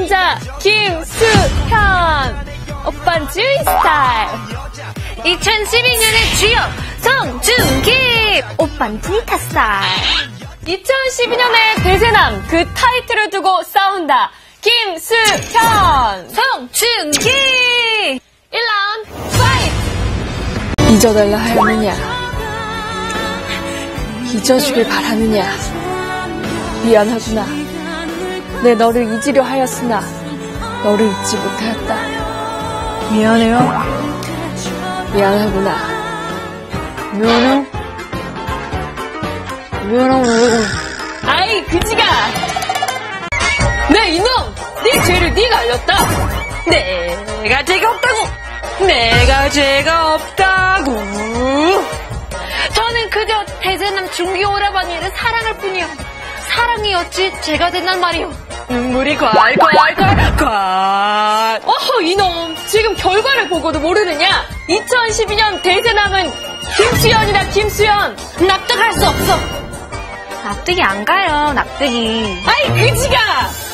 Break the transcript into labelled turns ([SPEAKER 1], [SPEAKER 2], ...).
[SPEAKER 1] 남자 김수현. 오빤 주위 스타일.
[SPEAKER 2] 2012년의 주역 송중기.
[SPEAKER 1] 오빤 브리타 스타일. 2012년의 대세남 그 타이틀을 두고 싸운다. 김수현.
[SPEAKER 2] 송중기.
[SPEAKER 1] 1라운드 파이트. 잊어달라 하였느냐, 잊어주길 바라느냐. 미안하구나. 내 너를 잊으려 하였으나 너를 잊지 못하였다.
[SPEAKER 2] 미안해요.
[SPEAKER 1] 미안하구나.
[SPEAKER 2] 미안하고.
[SPEAKER 1] 아이 그지가. 네 이놈, 네 죄를 네가 알렸다.
[SPEAKER 2] 내가 죄가 없다고. 내가 죄가 없다고. 저는 그저 대세남 중기 오라버니를 사랑할 뿐이요. 사랑이 어찌 죄가 된단 말이오. 눈물이 콸콸콸콸.
[SPEAKER 1] 어허 이놈, 지금 결과를 보고도 모르느냐. 2012년 대세남은 김수현이다. 김수현.
[SPEAKER 2] 납득할 수 없어. 납득이 안 가요. 납득이.
[SPEAKER 1] 아이 그지가.